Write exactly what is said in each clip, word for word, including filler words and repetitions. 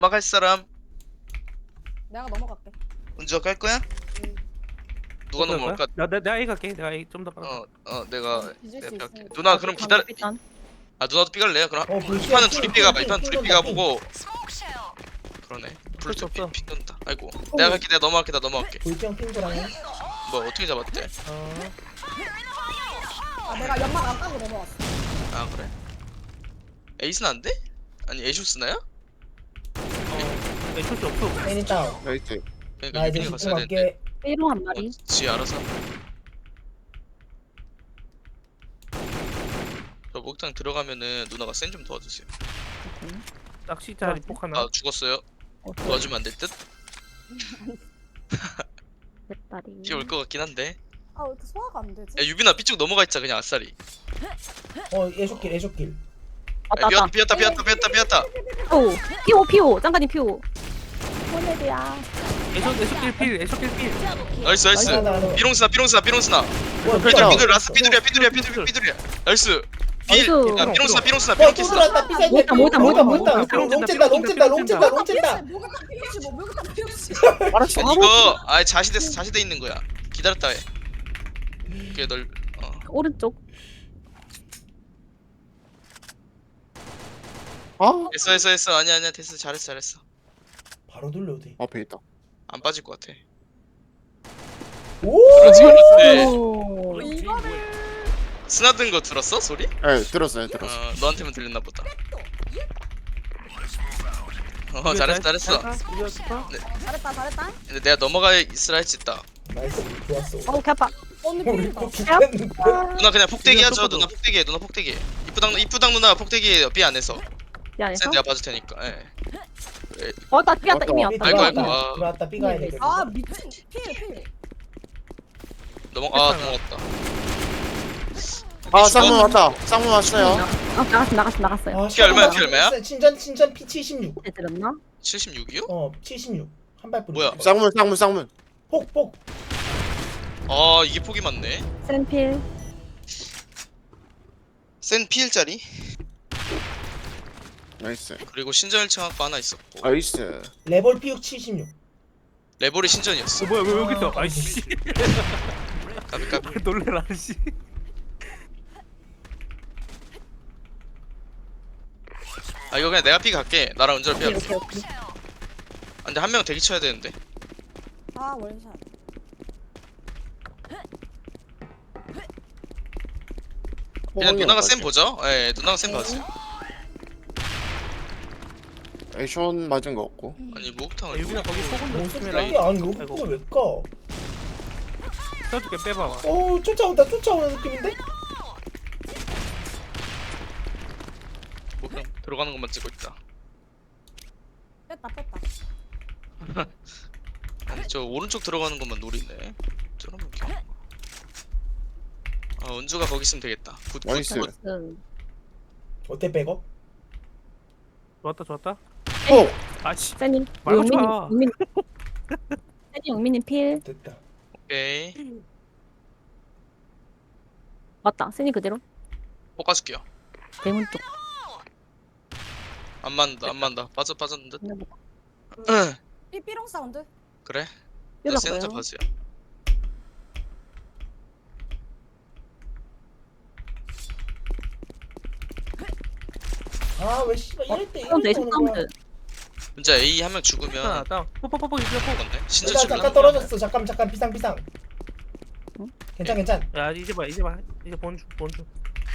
막할 사람. 내가 넘어갈게. 은주가 깔 거야? 응. 누가 어떨 넘어올까? 거야? 나, 나, 내가 A 갈게. 내가 A 좀 더 빨라. 어, 어, 내가 어, 뒤질 내가 수 뺄게. 있으니까. 누나 그럼 기다려. 일단 아 누나도 삐갈래요? 그럼 어, 불 이판은 핑, 둘이 핑, 삐가 봐. 핑, 이판 핑 둘이 돈다, 삐가 핑. 보고. 그러네. 어쩔 수 없어. 불좀 핀다. 아이고. 내가 갈게. 내가 넘어갈게. 나 넘어갈게. 불평 핑크랑 뭐 어떻게 잡았대? 어. 아 내가 연막 안 까고 넘어왔어. 아 그래? 에이스는 안 돼? 아니 에이쇼스나야? 어. A 초시 없어. 애니 다운. 나이트. 그러니까 나 이제 유빈이 갔어야 되는데. 집중할게. B로 한 어, 마리. 지 알아서. 저 목욕탕 들어가면은 누나가 센 좀 도와주세요. 낚시 자리 폭 하나. 아 죽었어요. 도와주면 안 될 듯? 뱃다리. 비 올 것 같긴 한데. 아 왜 이렇게 소화가 안 되지? 야 유빈아 삐쭉 넘어가 있자 그냥 아싸리. 어, 애쇼길, 애쇼길. 왔다 야, 왔다. 비었다 비었다 비었다 비었다. 오. 피오 피오. 짱가님 피오. 호넬이야. 애쇼 애쇼길 필. 애쇼길 필. 나이스 나이스. 나이스, 나이스. 삐롱스나 삐롱스나 삐롱스나. 뭐, 삐들 삐롱. 삐들 라스 삐들이야 삐들이야 삐들 삐들이야. 나이스. 삐. 나이스. 야 삐롱스나 삐롱스나 어, 삐롱 또 키스. 들어왔다. 삐사이드. 뭐다, 뭐다, 뭐다, 뭐다. 롱찐다, 롱찐다, 롱찐다, 롱찐다. 목욕탕 피우시 뭐 목욕탕 피우시. 알았어. 이거 아예 자시됐어 자시돼 있는 거야. 기다렸다 해. 그게 널 어. 오른쪽. 아? 했어 했어 했어 아니야 아니야 됐어 잘했어 잘했어. 바로 돌려도 돼. 앞에 있다. 안 빠질 것 같아. 오! 그렇지 그렇지. 오. 이거를 스나든 거 들었어 소리? 예, 들었어요, 들었어. 어 너한테만 들렸나 보다. 어 이거 잘했어 잘- 잘했어. 잘했다. 이거 좋다. 어, 잘했다 잘했다. 근데 내가 넘어가 있으라 했지 딱. 나이스, 좋았어. 어우 개 아파. 언니 우리 피우다. 또 죽겠는데. 누나 그냥 폭대기 이거 하죠. 똑바로. 누나 폭대기 해. 누나 폭대기 해. 이쁘당 이쁘당 누나 폭대기 삐 안에서. 미안해서. sen 내가 봐줄 테니까. 예. 어, 나 뛰었다 이미 삐 왔다. 아이고, 아이고, 들어왔다. 아. 들어왔다, 삐가야 돼. 아 미친 필 필. 넘어 아 넘어갔다. 아, 죽어? 쌍문 왔다. 쌍문 왔어요. 어, 나갔어 나갔어 나갔어요. 아, 피 얼마야, 피 샤워. 얼마야? 친전, 친전 피 칠십육. 네, 들었나? 칠십육이요? 어, 칠십육. 한 발뿐. 뭐야? 쌍문, 쌍문, 쌍문. 폭, 폭. 아 이게 폭이 많네. 센필. 센 피일짜리 나이스. 그리고 신전 일 층 학과 하나 있었고 나이스. 레볼 피육 칠십육. 레볼이 신전이었어. 어 뭐야 왜 여기 있어? 아이씨. 까비 까비. 놀래라 씨. 아 이거 그냥 내가 삐 갈게. 나랑 은절 삐 오케이 할게. 오케이 오케이. 아, 근데 한 명 대기 쳐야 되는데. 아 원샷. 그냥 누나가 센 보죠. 예 누나가 센 봐주세요. 에이션 맞은 거 없고. 아니 아, 목욕탕을 유빈아 거기 뭔 소금 좀 소리야? 조심해라. 아니, 로프가 왜 까? 써줄게 빼봐봐. 어, 쫓아온다, 쫓아오는 느낌인데? 목욕탕 들어가는 것만 찍고 있다. 뺐다 뺐다. 아니 저 오른쪽 들어가는 것만 노리네. 저러면 이렇게. 아 은주가 거기 있으면 되겠다. 굿, 굿, 나이스. 굿. 응. 어때, 백업? 좋았다 좋았다. 오! 아씨. 세님. 말고 용민 쳐. 용민. 세님 용민님 필. 됐다. 오케이. 맞다. 세님 그대로. 볶아줄게요. 대문 쪽. 안 맞는다 안 맞는다. 빠져 빠졌는 듯. 삐 삐롱 사운드. 그래. 연락 센 혼자 와요. 봐주세요. 아, 왜 씨발 이럴 때 사운드 이럴 때 에이션 오는 거야? 사운드. 진짜 A 한 명 하나 죽으면 다운. 뽀뽀뽀뽀 유빈아 뽀. 죽었네. 신전 일단 죽을라. 잠깐 떨어졌어. 잠깐, 잠깐, 비상, 비상. 응? 괜찮, 괜찮. 야 이제 봐 이제 봐 이제 본주 본주.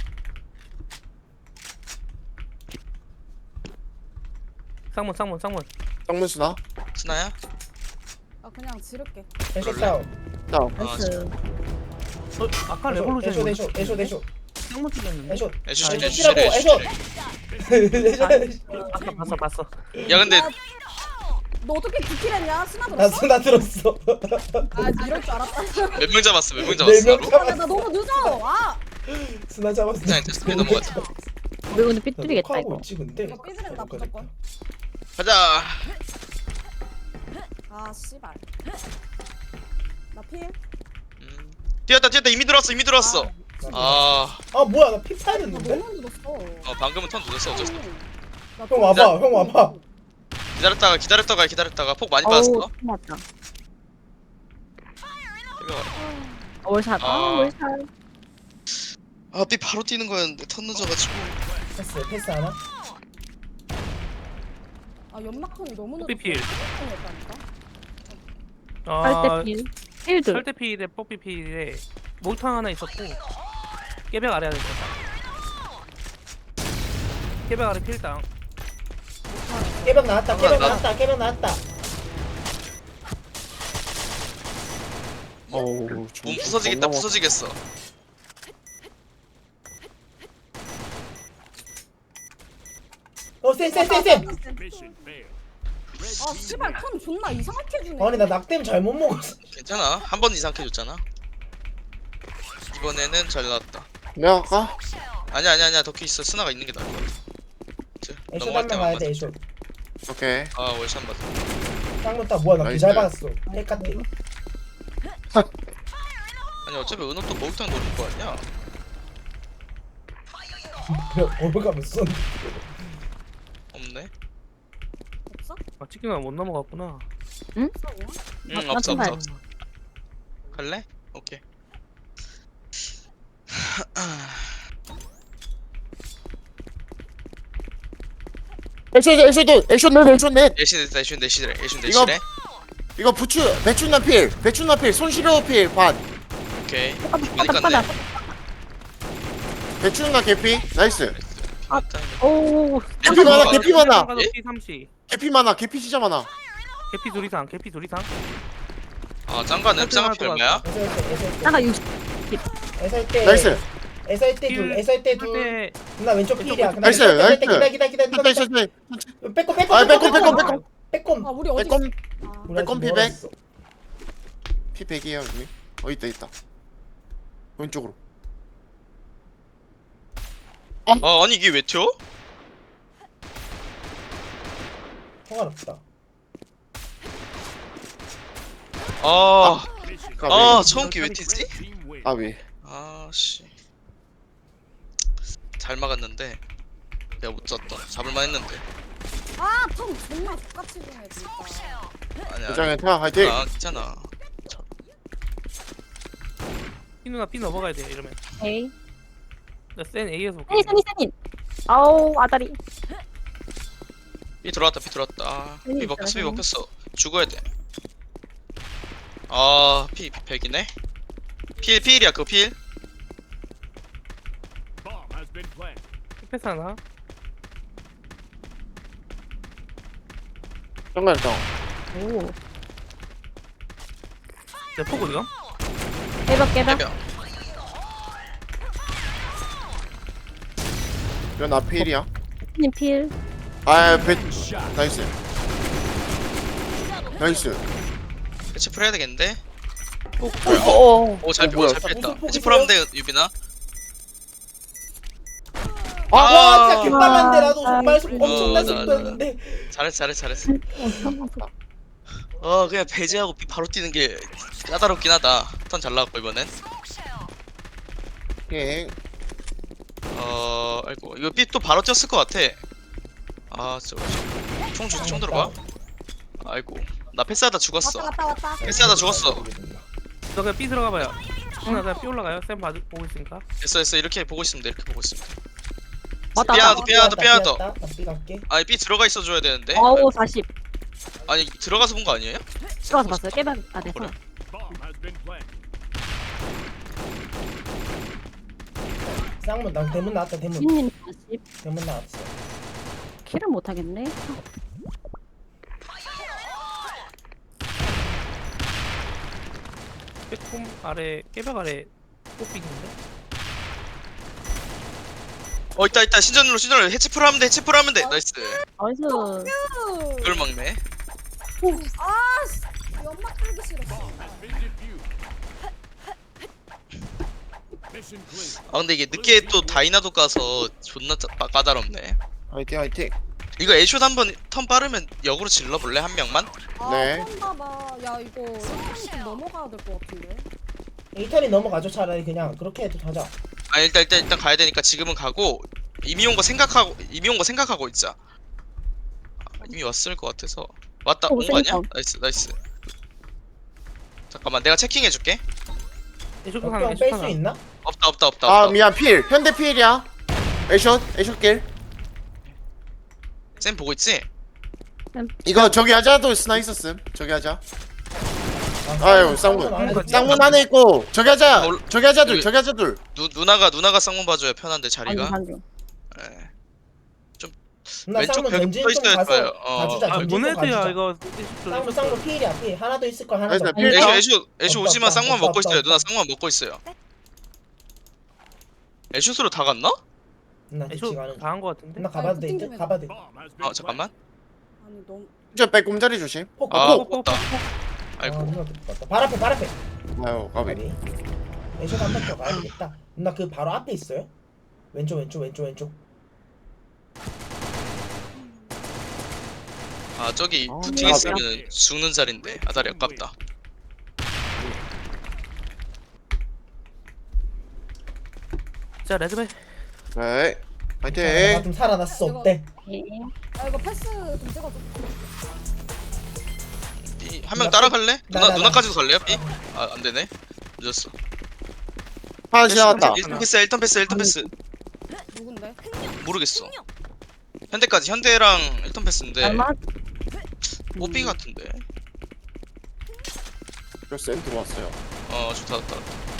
쌍문 쌍문 쌍문. 쌍문 수나? 스나야? 아 그냥 지를게. 애쇼 다운. 다운. 나이스. 어 아까 애쇼, 레볼루션 애쇼, 애쇼, 애쇼, 애쇼. 쌍문 찔렸는데. 애쇼. 애쉬 아, 애쉬 애쇼 애쉬 찌라고, 애쉬 애쇼. 애쉬. 아까 봤어 봤어. 야 근데 너 어떻게 디킬했냐? 스나 나 들었어? 수나 들었어. 아 이럴 줄 알았다. 몇 명 잡았어 몇 명 네 잡았어 명 나로? 잡았어. 아, 나 너무 늦어. 아 수나 잡았어. 그냥 됐어, 넘어가자. 우리 오늘 삐뚤리겠다 녹화하고 이거. 있지, 근데. 이거 삐지른다 무조건. 가자. 아 씨발. 나 필. 음. 뛰었다 뛰었다 이미 들어왔어 이미 들어왔어. 아, 아, 뭐야, 나 피 나 파였는데? 너무 늦었어. 어 방금은 턴 늦었어 어쩔 수 없어. 나 형 와봐, 형 와봐. 기다렸다가 기다렸다가 기다렸다가 폭 많이 어우, 받았어. 맞다. 깨벽. 월샷. 아, 아. 월샷. 아 B 바로 뛰는 거였는데 턴 늦어가지고. 패스 패스 하나? 아 연막턴이 너무 늦었어. 뽀삐필. 였다니까. 아 절대필. 필드. 철대필에 뽀삐필에 목탕 하나 있었고 깨벽 아래 하나 있었다. 깨벽 아래 필당. 깨벽 나왔다 깨벽 나- 나왔다 깨벽 나왔다. 어우 몸 부서지겠다 부서지겠어. 어쌤쌤쌤쌤 아 씨발 턴 존나 이상하게 주네. 아니 나 낙댐 잘못 먹었어. 괜찮아. 한 번 이상 해줬잖아. 이번에는 잘 나왔다. 내가 갈까? 아니야 아니야 아니야 덕키 있어. 스나가 있는 게 나을 것 같아. 이제 애쇼 넘어갈 한명 때만 가야 맞아. 돼 애쇼. 오케이 아 월샷 맞아. 쌍문 따 뭐야 나 나이스. 잘 받았어. 헬카테. 아니 어차피 은호 또 목욕탕 노릴 거 아니야. 어디 가면 쏜. 없네. 없어? 아 치킨은 못 넘어갔구나. 응 아, 없어 맞은 없어 없어. 갈래? 오케이. 액션 액션 액션 넷 액션 넷 애쉬 냈다 애쉬 내시래 애쉬 이거- 내시래. 이거 부추 배추나 필 배추나 필 손시려 필반 오케이. 바닥, 많이 바닥, 깠네. 바닥. 배추나 개피 나이스 아. 오. 개피 많아 개피 많아 예? 피 삼십. 개피 많아 개피 진짜 많아 개피 둘 이상. 개피 둘 이상. 아 짱가는 짱가피 얼마야? 애설 때 애설 때 잠깐 육십. 애설 때 나이스 애설 때둘 애설 때둘 때 나 왼쪽 필이야. 그다음에 나이스, 애설 때 나이스. 기다 기다 기다 기다 나이스 기다. 나이스 빼꼼 빼꼼 아 빼꼼 빼꼼 빼꼼 빼꼼 빼꼼. 아 우리 어디? 빼꼼 아, 우리 빼꼼 아직 피백. 멀었어. 피 백이에요 여기 어 있다 있다 왼쪽으로 아 아니 이게 왜 튀어? 통화롭다. 아, 까비 아 처음 기회 튀지? 까비 아씨 잘 막았는데 내가 못 졌다. 잡을만 했는데. 아턴 존나 똑같이 주네 진짜. 아니야. 부장의 태양 화이팅 아 괜찮아. 피 누나 피 넘어가야 돼 이러면. 에이. 나센 A에서 볼게. 세니, 세니, 세니. 아우, 아다리. 삐 들어왔다 삐 들어왔다. 아, 음, 삐 먹혔어 삐 잘하네. 먹혔어. 죽어야 돼. 아피 백이네. 필 필이야 그거 필. 패스 하나. 정말 형 오. 내 폭 어디가? 깨벽, 깨벽. 해병. 이건 나 필이야 님 필. 아배 나이스 나이스 해치 풀 해야 되겠는데? 어어 오잘 뭐야 뺐다 잘 뺐다. 무슨 해치 풀 하면 돼 유빈아. 아, 와 진짜 아. 개빨간데 나도 정말 아, 엄청난 어, 나, 속도였는데. 잘했어 잘했어 잘했어. 어 그냥 배제하고 삐 바로 뛰는 게 까다롭긴 하다. 턴 잘 나왔고 이번엔. 오케이 어 아이고 이거 삐 또 바로 뛰었을 것 같아. 아 진짜 총, 주- 총 들어봐. 아이고 나 패스하다 죽었어. 왔다 왔다 왔다. 패스하다 죽었어. 너 그냥 삐 들어가 봐요. 누나 그냥 삐 올라가요. 쌤 봐 보고 있으니까. 됐어 됐어 이렇게 보고 있으면 돼 이렇게 보고 있으면 돼. 왔다, 삐야, 왔다. 너 삐야, 너 삐야, 너. 나삐 갈게. 아니 삐 들어가 있어 줘야 되는데. 어우, 사십. 아니 들어가서 본 거 아니에요? 들어가서 봤어요. 깨벽 안에서. 그래. 쌍문 나 대문 나왔다 대문. 님 사십. 대문 나왔어. 킬을 못하겠네. 빼꼼 아래 깨벽 아래 뽀삐 있는데. 어 있다 있다 신전으로 신전으로 해치풀 하면 돼 해치풀 하면 돼 나이스. 나이스. 그걸 막네. 아씨 연막 끌기 싫었어. 아 근데 이게 늦게 또 다이나도 가서 존나 짜- 빠- 까다롭네. 화이팅 화이팅 이거 애쇼 한번 턴 빠르면 역으로 질러볼래 한 명만? 아 네. 봐. 야 이거 일단은 좀 넘어가야 될 것 같은데. 에이턴이 넘어가죠 차라리 그냥 그렇게 해도 가자. 아 일단 일단 일단 가야 되니까 지금은 가고 이미 온 거 생각하고 이미 온 거 생각하고 있자. 이미 왔을 것 같아서. 왔다 어, 온 거 아니야? 센터. 나이스 나이스. 잠깐만 내가 체킹해 줄게. 애쇼 하나 애쇼 뺄 수 하나. 있나? 없다 없다 없다 아 없다. 미안 필 현대 필이야. 애쇼 애쇼 길. 쌤 보고 있지? 이거 저기 하자도 스나 있었음. 저기 하자. 아유 쌍문. 안에 쌍문 안에 있고 저기 하자. 올- 저기 하자 둘 여기- 저기 하자 둘. 누 누나가 누나가 쌍문 봐줘야 편한데 반중 자리가. 반중. 예. 나 왼쪽 쌍문 벽에 던진 붙어 좀 있어야 가서 좋아요. 어. 봐주자. 아 던진 좀 모네드야 가주자. 이거. 쌍문 쌍문 필이야 필. 하나 더 있을 걸 하나 나이스, 더. 필. 애쇼 어? 애쇼 애쇼 없다, 오지만 없다, 쌍문 없다, 먹고 없다, 있어요. 누나 없다. 쌍문 먹고 있어요. 애쇼스로 다 갔나? 나 애쇼 뒤치 가는. 다한 거 같은데. 나 가봐도 돼. 이제 가봐도 돼. 어 잠깐만. 아니 너무 저 빼꼼자리 조심. 폭. 아 폭. 없다. 아, 아이고. 누나 들어갔다. 발 앞에 발 앞에. 아유 까비. 아니. 애쇼 한번 더 가야겠다. 누나 그 바로 앞에 있어요? 왼쪽 왼쪽 왼쪽 왼쪽. 아 저기 아, 부팅 아, 있으면 죽는 자리인데 아다리 아깝다. 자 레드벨. 네. 나 파이팅. 좀 살아났어. 어때? 예. 아 이거 패스 좀 찍어줘. 한 명 따라갈래? 나, 누나 나, 나. 누나까지도 갈래요? B? 아 안되네. 늦었어. 하나 지나갔다. 일 턴 패스 일 턴 패스 일 턴 패스. 누군데? 모르겠어. 현대까지 현대랑 일 턴 패스인데 얼마? 뽀삐 같은데. 저쌤 들어왔어요. 어 좋다 좋다.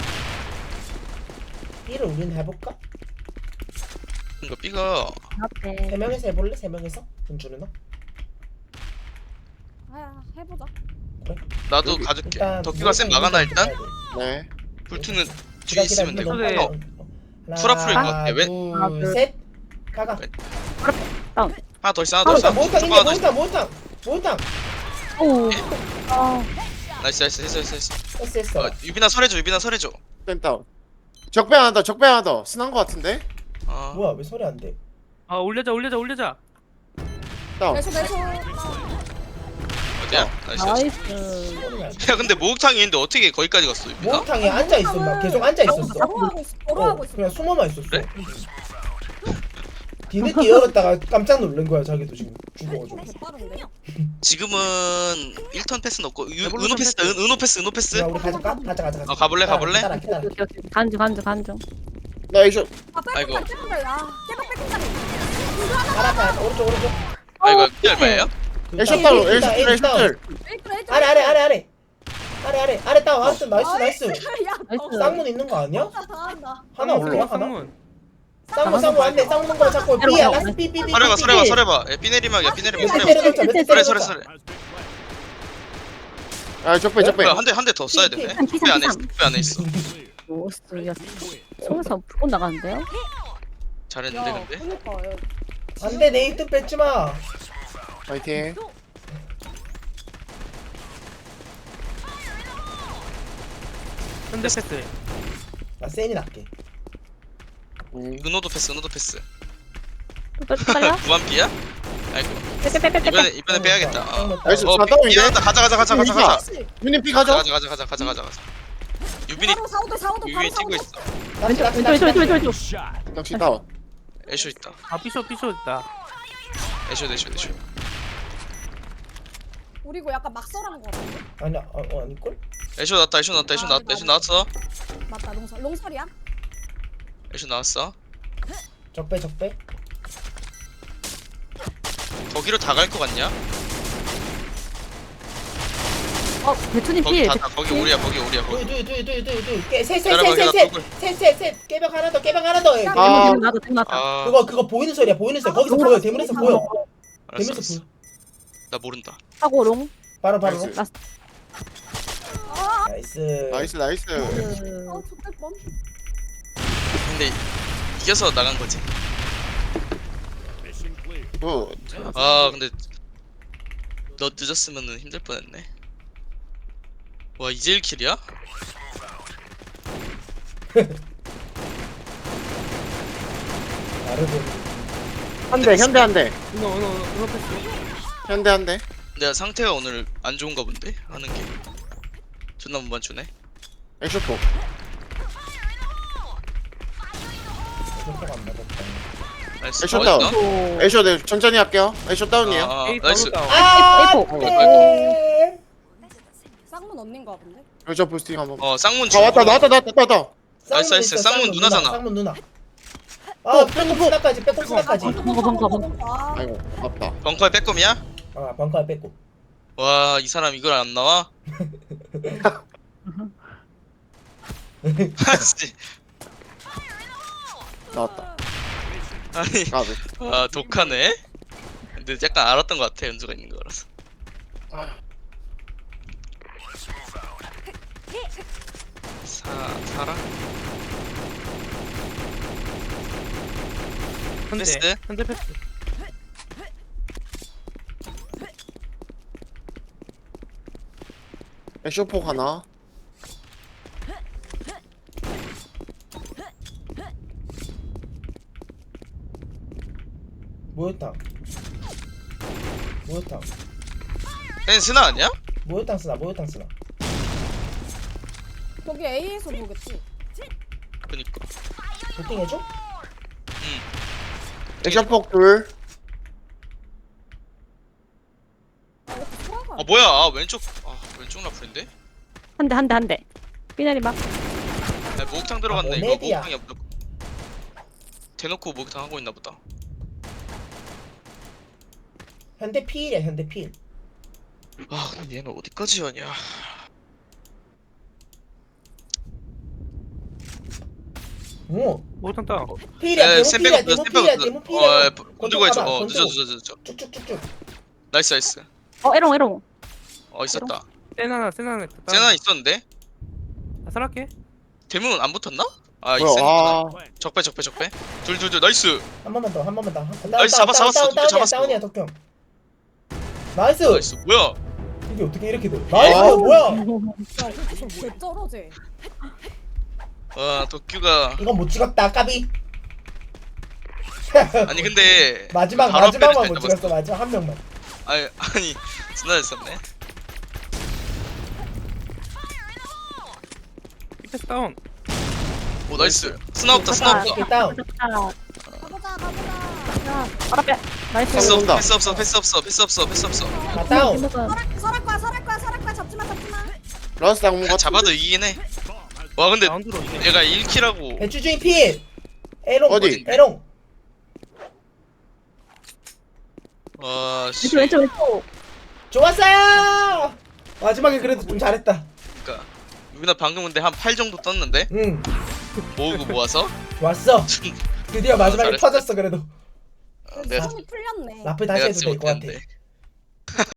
B를 우린 해볼까? 그러니까 B가 앞에. 세 명에서 해볼래? 세 명에서? 은주 누나? 아 해보자. 나도 여기 가줄게. 일단 덕규가 쌤 막아놔 일단. 네. 불투는 뒤에 있으면 되고. 그래. 어, 투라프일 것 같아. 왜? 하나, 둘, 둘. 셋. 가가. 하나 더 있어 하나 더 있어. 모욕탕 조금 하나 있네. 더 있어. 모욕탕 모욕탕 모욕탕. 오. 아. 나이스 나이스 했어 했어 했어. 했어 했어. 어, 유빈아 설해줘 유빈아 설해줘. 쌤 다운. 적배 하나 더 적배 하나 더. 스난 거 같은데. 아 뭐야 왜 소리 안 돼? 아 올려자 올려자 올려자. 다운. 내쇼 내쇼. 어디야? 나이스 나이스. 나이스. 소리가 안 돼. 야 근데 목욕탕이 있는데 어떻게 거기까지 갔어 유빈아? 모욕탕에 앉아 있어. 막 계속 앉아 있었어. 걸어하고 있어. 어, 걸어하고 있어. 그냥 숨어만 있었어. 그래? 뒤늦게 열었다가 깜짝 놀란 거야 자기도 지금 죽어가지고. 개빠른데? 지금은 일 턴 패스 넣고 유, 레볼루션 은호 패스 패스. 은, 은호 패스 은호 패스. 야 우리 가져가? 가자 가자 가자. 어, 가볼래, 기다려, 가볼래? 기다려 기다려. 오케이, 오케이. 간중 간중 간중. 나 애쇼. 아 아이고. 빼꼼 빼꼼 야 깨박 빼꼼 자리. 알아 알아 오른쪽 오른쪽. 아 이거 어, 이 얼마예요? 애쇼 다운. 애쇼 일단, 둘 애쇼 일단. 둘. 일단 일단. 아래 아래 아래 아래. 아래 아래 아래 다운 알았어 나이스 나이스. 야 나이스. 쌍문 있는 거 아니야? 너 잘한다. 하나 올라와 하나? 쌍문. 쌍문 쌍문 안돼 쌍문 거 잡고 B야 라스 B B B. 설해봐 설해봐 설해봐. 예, 삐 내리막이야 삐 내리막 몇 대 설해봐. 때려줬자 몇대 설해 설해 때려줬자. 설해. 아 적배 적배. 뭐야 한대 한 대 더 써야 되네. 피, 피, 삐 안에 피, 있어 삐 안에 있어. 오스. 야. 속에서 불꽃 나가는데요? 잘했는데 야 근데. 그니까 야, 안돼 내 일 등 뺏지 마. 파이팅. 현대 패스. 나 센이 낫게. 음. 은호도 패스 은호도 패스. 또 빨려? 무한 B야? 아이고 빼빼빼빼빼. 이번에 이번에 빼야겠다. 어, 나이스. 어 자, 삐 다운인데? 나왔다. 가자 가자 가자 가자 가자. 유님 피 가자 가져. 가자 가자 가자 가자 가자. 유빈이 바로 사오도 사오도 바로 유빈이 뛰고 사오도. 있어. 왼쪽 왼쪽 왼쪽 왼쪽 왼쪽. 역시 다운. 애쇼 있다. 아 삐쇼 삐쇼 있다. 애쇼 애쇼 애쇼. 우리 이거 약간 막설하는 거 같은데? 아니야 어, 어 아닐걸? 애쇼 나왔다 애쇼 나왔다 애쇼 아, 나왔다 이거 애쇼 나왔어. 맞다 롱설 롱설이야? 애쇼 나왔어. 적배 적배. 거기로 다 갈 거 같냐? 어 배추님 거기 필. 다, 다 거기 우리야 거기 우리야 거기. 둘둘둘둘둘둘 기다려봐, 기다려, 셋셋셋셋셋셋 깨벽 하나 더 깨벽 하나 더. 야, 그- 아. 대문 나도 대문 났다. 아 그거 그거 보이는 소리야 보이는 소리. 거기서 아, 보여 아, 대문에서 아, 보여. 알았어 대문에서 알았어. 보여. 나 모른다. 하고 롱. 바로 바로. 나이스. 라스트. 아, 나이스. 나이스 나이스. 아, 그... 좋될 뻔. 근데 이겨서 나간 거지. 굿. 아 근데 너 늦었으면은 힘들 뻔했네. 와 이제 일 킬이야? 나르고. 한대 현대 한대. 은호 은호 은호 패스. 현대 한대. 내가 상태가 오늘 안 좋은가 본데 하는 게. 존나 못 맞추네. 애쇼 포. 안 맞았다. 나이스. 애쇼 어, 다운. 있나? 오. 애쇼 네 천천히 할게요. 애쇼 다운이에요. 아, 에이 나이스. 바로 다운. 아, 에이포. 네. 쌍문 언닌 거 같은데? 애쇼 부스팅 한번. 어 쌍문 아 왔다 나왔다 나왔다 나왔다. 나이스, 나이스. 있어, 쌍문 누나, 누나잖아. 쌍문 누나. 아, 빼꼼 스나까지, 빼꼼 스나까지. 벙커, 벙커, 벙커. 아, 아이고 아프다. 벙커에 빼꼼이야? 아, 벙커에 빼꼼. 와 이 사람 이걸 안 나와? 아씨. 나왔다. 아니 까비. 아 독하네. 근데 약간 알았던 것 같아 연주가 있는 거라서. 사 사라. 현대 패스? 현대 패스. 애쇼 폭 하나. 모욕탕. 모욕탕. 쟤는 스나 아니야? 모욕탕 쓰나, 모욕탕 쓰나. 거기 A에서 보겠지? 그니까. 도팅 해줘? 애쇼 폭 둘. 아, 이렇게 소라가 아 뭐야? 아 왼쪽 아 왼쪽 라플인데? 한 대, 한 대, 한 대. 삐나리 막. 아 목욕탕 들어갔네. 아, 이거 모네디야. 목욕탕이야 무조건. 대놓고 목욕탕 하고 있나 보다. 현대 필이야, 현대 필. 아 근데 얘는 어디까지 하냐? 오, 모탄 다운. 필이야, 에 대문 스텝 필이야, 백업 대문 필이야, 스텝 대문 백업. 어 필이야. 건들고 해줘. 가봐, 어 건들고. 늦어 늦어 늦어. 쭉쭉쭉쭉. 나이스 나이스. 어, 에롱, 에롱. 어 있었다. 센 하나 센 하나. 있다. 세나 있었는데 아, 살았게. 대문 안 붙었나? 아 뭐야? 있었나? 아 적배 적배 적배. 둘둘둘 나이스. 한 번만 더, 한 번만 더. 다운, 나이스, 다운, 잡았어, 다운, 잡았어. 다운, 잡았어. 다운이야, 덕형. 나이스. 나이스. 뭐야? 이게 어떻게 이렇게 돼? 나이스, 아우. 뭐야? 야, 저 개쩔어제. 와 도큐가 이건 못 찍었다, 까비. 아니 근데 마지막 바로 마지막만 앞에 못 있다, 찍었어, 마지막 한 명만. 아니 아니 진짜 됐었네. 패스 다운. 오 나이스. 스나 없다 스나 없다. 오케이, 다운. 아, 가보자, 가보자. 아, 알아, 빼. 나이스. 패스 온다. 없어 패스 없어 패스 없어 패스 없어 패스 없어. 아, 다운. 설할, 설할 거야, 설할 거야, 설할 거야. 잡지마, 잡지마. 라스 당문 그냥 같은. 잡아도 이기긴 해. 와 근데 라운드로 이네. 얘가 일 킬하고 배추주의 필. 에롱. 어디? 에롱. 와 씨. 왼쪽, 왼쪽, 왼쪽. 좋았어요. 마지막에 그래도 좀 잘했다. 그러니까 유빈아 방금 근데 한 팔 정도 떴는데 응, 모으고 모아서 좋았어. 드디어 마지막에 잘했어. 터졌어 그래도. 어, 내가 손이 풀렸네. 라플 다시 내가 해도 진짜 될 것 같아. 못했는데.